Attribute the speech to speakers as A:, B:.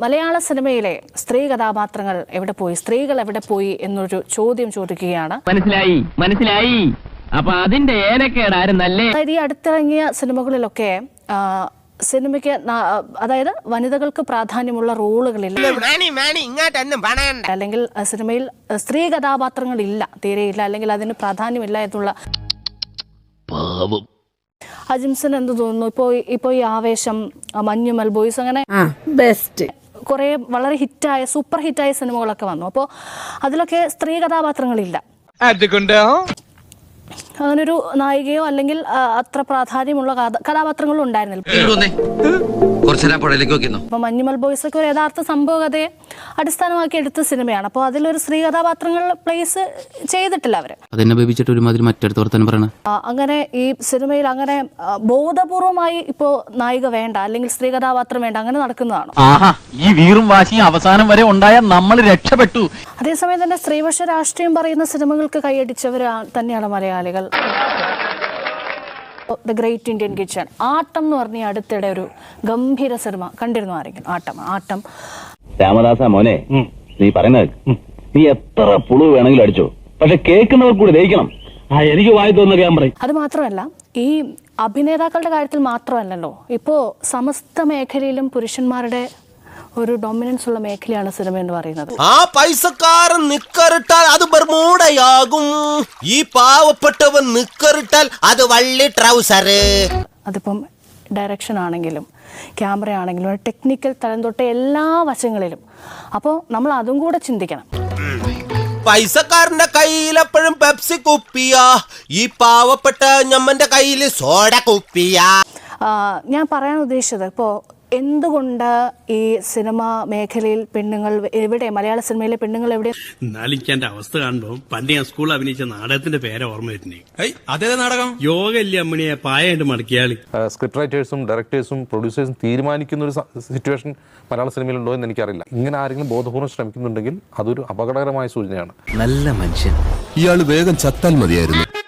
A: മലയാള സിനിമയിലെ സ്ത്രീ കഥാപാത്രങ്ങൾ എവിടെ പോയി, സ്ത്രീകൾ എവിടെ പോയി എന്നൊരു ചോദ്യം ചോദിക്കുകയാണ്.
B: മനസ്സിലായി. അപ്പൊ അതിന്റെ ഏനക്കേടാരും നല്ല.
A: അതായത് ഈ അടുത്തിറങ്ങിയ സിനിമകളിലൊക്കെ സിനിമയ്ക്ക് അതായത് വനിതകൾക്ക് പ്രാധാന്യമുള്ള റോളുകളില്ല, അല്ലെങ്കിൽ സിനിമയിൽ സ്ത്രീ കഥാപാത്രങ്ങളില്ല, തീരെയില്ല, അല്ലെങ്കിൽ അതിന് പ്രാധാന്യമില്ല എന്നുള്ള. അജിംസൺ എന്ത് തോന്നുന്നു? ഇപ്പോ ഈ ആവേശം, മഞ്ഞുമൽ ബോയ്സ്, അങ്ങനെ ബെസ്റ്റ് കുറെ വളരെ ഹിറ്റായ സൂപ്പർ ഹിറ്റായ സിനിമകളൊക്കെ വന്നു. അപ്പോൾ അതിലൊക്കെ സ്ത്രീ കഥാപാത്രങ്ങളില്ല. അങ്ങനൊരു നായികയോ അല്ലെങ്കിൽ അത്ര പ്രാധാന്യമുള്ള കഥാപാത്രങ്ങളും ഉണ്ടായിരുന്നില്ല. അപ്പൊ മഞ്ഞുമൽ ബോയ്സ് ഒക്കെ ഒരു യഥാർത്ഥ സംഭവ കഥയെ അടിസ്ഥാനമാക്കി എടുത്ത സിനിമയാണ്. അപ്പോൾ അതിലൊരു സ്ത്രീ കഥാപാത്രങ്ങൾ പ്ലേസ് ചെയ്തിട്ടില്ല അവര്. അങ്ങനെ ഈ സിനിമയിൽ അങ്ങനെ ബോധപൂർവമായി ഇപ്പോ നായിക വേണ്ട, അല്ലെങ്കിൽ സ്ത്രീ കഥാപാത്രം വേണ്ട, അങ്ങനെ നടക്കുന്നതാണ്.
C: ഈ വീറും വാശിയും അവസാനം വരെ ഉണ്ടായാൽ നമ്മൾ രക്ഷപ്പെട്ടു.
A: അതേസമയം തന്നെ സ്ത്രീപക്ഷ രാഷ്ട്രീയം പറയുന്ന സിനിമകൾക്ക് കൈയടിച്ചവർ തന്നെയാണ് മലയാളികൾ. ദ ഗ്രേറ്റ് ഇന്ത്യൻ കിച്ചൺ, ആട്ടം എന്ന് പറഞ്ഞ അടുത്തിടെ ഒരു ഗംഭീര സിനിമ കണ്ടിരുന്നു ആരെങ്കിലും? ആട്ടം.
D: രാമദാസ മോനെ, നീ പറയുന്നത് നീ എത്ര പുളു വേണമെങ്കിലും അടിച്ചോ, പക്ഷെ കേൾക്കുന്നവർ കൂടി ദഹിക്കണം. എനിക്ക് വായി തോന്നുന്ന ഞാൻ പറയും.
A: അത് മാത്രമല്ല, ഈ അഭിനേതാക്കളുടെ കാര്യത്തിൽ മാത്രമല്ലല്ലോ, ഇപ്പോ സമസ്ത മേഖലയിലും പുരുഷന്മാരുടെ ഒരു ഡൊമിനൻസ് ഉള്ള മേഖലയാണ് സിനിമ എന്ന് പറയുന്നത്.
E: ആ പൈസക്കാരൻ നിക്കറിട്ടാൽ അത് ബർമൂഡയാകും, ഈ പാവപ്പെട്ടവൻ നിക്കറിട്ടാൽ അത് വള്ളി ട്രൗസർ.
A: അതിപ്പം ഡയറക്ഷൻ ആണെങ്കിലും ക്യാമറ ആണെങ്കിലും ടെക്നിക്കൽ തലം തൊട്ട് എല്ലാ വശങ്ങളിലും. അപ്പോൾ നമ്മൾ അതും കൂടെ ചിന്തിക്കണം.
E: പൈസക്കാരന്റെ കയ്യിൽ എപ്പോഴും പെപ്സി കുപ്പിയാ, ഈ പാവപ്പെട്ട ഞമ്മന്റെ കയ്യിൽ സോഡ കുപ്പിയാ.
A: ഞാൻ പറയാൻ ഉദ്ദേശിച്ചത്, ഇപ്പോൾ എന്തുകൊണ്ട് ഈ സിനിമ മേഖലയിൽ പെണ്ണുങ്ങൾ എവിടെ, മലയാള സിനിമയിലെ പെണ്ണുങ്ങൾ എവിടെ?
F: നാലിക്കാന്റെ അവസ്ഥ കാണുമ്പോ പണ്ട് ഞാൻ സ്കൂളിൽ അഭിനയിച്ച നാടകത്തിന്റെ പേര് ഓർമ്മ വരുന്നേ.
G: അതേ നാടകം
F: യോഗല്ലേ അമ്മണിയെ പായായിട്ട് മടക്കിയാളി.
G: സ്ക്രിപ്റ്റ് റൈറ്റേഴ്സും ഡയറക്ടേഴ്സും പ്രൊഡ്യൂസേഴ്സും തീരുമാനിക്കുന്ന ഒരു സിറ്റുവേഷൻ മലയാള സിനിമയിലുണ്ടോ എന്ന് എനിക്കറിയില്ല. ഇങ്ങനെ ആരെങ്കിലും ബോധപൂർവ്വം ശ്രമിക്കുന്നുണ്ടെങ്കിൽ അതൊരു അപകടകരമായ സൂചനയാണ്.
H: നല്ല മനുഷ്യൻ,
I: ഇയാൾ വേഗം ചത്താൽ മതിയായിരുന്നു.